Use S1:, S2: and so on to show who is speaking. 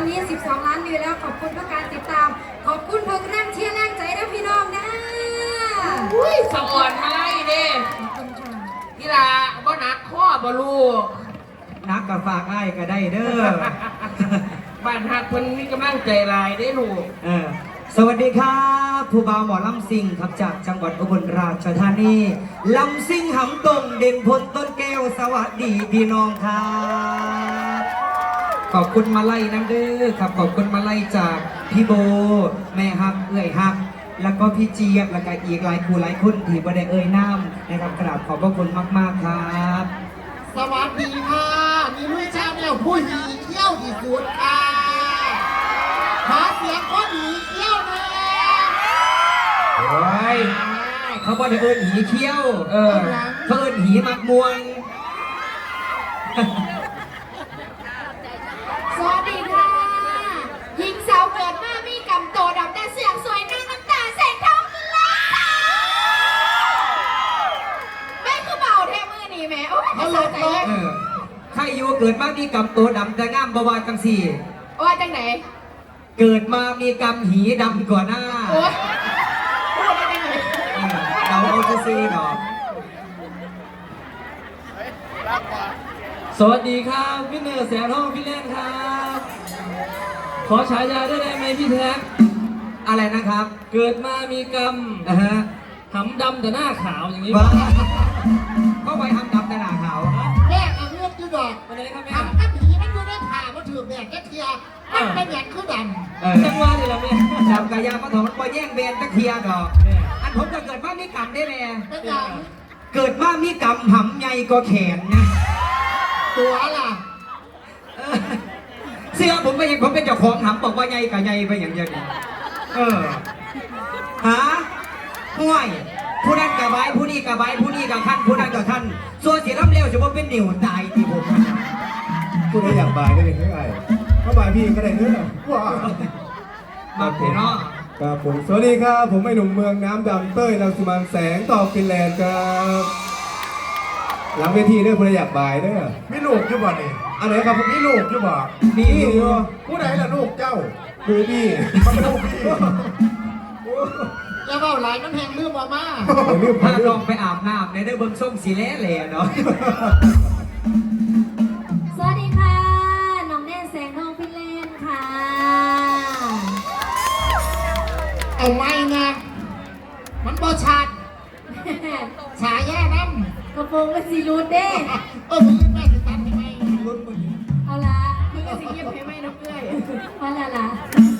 S1: นี้12 ล้านวิวแล้วขอบคุณทุกการติดตามขอบคุณทุกแรงเชียร์แรงใจนะพี่น้องนะ
S2: อุ้ยสะอ่อนมาไล่เด้กีฬาบ่หนักข้อบ่ลูก
S3: นักกับฝากไอ้ก็ได้เด้อ
S2: บ้านหักคนมีกำลังใจลายได้ลูก
S3: สวัสดีครับผู้บ่าวหมอลำซิงครับจากจังหวัดอุบลราชธานีลำซิงหำตรงเด่นพลต้นแก้วสวัสดีพี่น้องครับขอบคุณมาไล่น้ำเด้อครับขอบคุณมาไล่จากพี่โบแม่ฮักเอื้อยฮักแล้วก็พี่เจี๊ยบแล้วก็อีกหลายคู่หลายคนที่บ่ได้เอ่ยน้ำนะครับกราบขอบพระคุณมากๆครับ
S4: สวัสดีค่ะนี่ลุยชาแนลผู้หญิงเที่ยวที่สุดค่ะหาเสียงคนหญิงเที่ยวเลย
S3: โอ้ยเขาบอกเอิญหีเขี้ยวเขาเอิญหีมักมวง
S1: สวัสดีค่ะหญิงสาวเกิดมามีกำโตดำแต่เสียงสวยหน้าน้ำตาแสงทองล้านไม่คือเบาแท้มือนี่แม่โอ้ยจะสะใจ
S3: ใครอยู่เกิดมามีกำตัวดำแต่งามบวาจังสี่
S1: ว่าจังไหน
S3: เกิดมามีกำหีดำกว่าหน้า
S1: โอ้ยพูดได้จังไหน
S3: เราจะซื้อหรอ
S5: สวัสดีครับพี่เนอร์แสงทองพี่เล่นครับขอฉายาได้ไหมพี่แท็ก
S3: อะไรนะครับ
S5: เกิดมามีกรรมหำดำแต่หน้าขาวอย่างนี้
S3: ก็ไปหำดำแต่หน้าขาว
S4: แม่เอาเลือกยูดอก
S5: อะไรครับแม่
S4: ทำกับผีมันอยู่ในผ่ามันถือแบกแค่เทียมันเป็นแบกคือด
S5: ำจังหวะนี่แหละแม่
S3: ดำกระยาพระถมก็แย่งเบนตะเคียดอกอันผมก็เกิดมามีกรรมได้แม่เกิดมามีกรรมหำใหญ่ก็แขนนะ
S4: ตัวล่ะ
S3: เสื้อผมก็ยังผมเป็นเจ้าของหำบอกว่าใหญ่กับใหญ่ไปอย่างเดียวนี่หาห่วยผู้นั้นกับใบผู้นี้กับใบผู้นี้กับท่านผู้นั้นกับท่านส่วนเสียล้ำเลี้ยวจะว่าเป็นเหนียวตายที่ผม
S6: ผู้ใดอยากบายได้เลยเท่าไหร่ถ้าบายพี่ก็ได้เนื้อว้า
S3: มาเถอะเนาะ
S6: ครับผมสวัสดีครับผมไอ้หนุ่มเมืองน้ำดำเต้ยรังสิมันแสงต่อฟินแลนด์ครับหลังเวทีเด้อผู้ใดอยากบายเด้อมีลูกอยู่บ่นี่อะไรครับผมมีลูกอยู่บ่นี่อยู่ผู้ใดล่ะลูกเจ้าคือพี่มันเป็นลูกพี่
S4: แล้วเบาไหลมันแหงลืมมาม่า
S3: พาลองไปอาบน้ำในเด้อเบิ้งส้มสีแหล่เนาะ
S1: สวัสดีค่ะน้องแน่แสงทองพี่เล่นค่ะ
S4: เอาไว้นะมันบ่ชัดฉายาน้
S1: ำกระโปรงเป็นสีรูดเด้
S4: มึงแม่สิตัดทำไมรุ่นมึง
S1: เอาละมึงก็สีเงียบให้ไหมน้องเอ้ยมาละ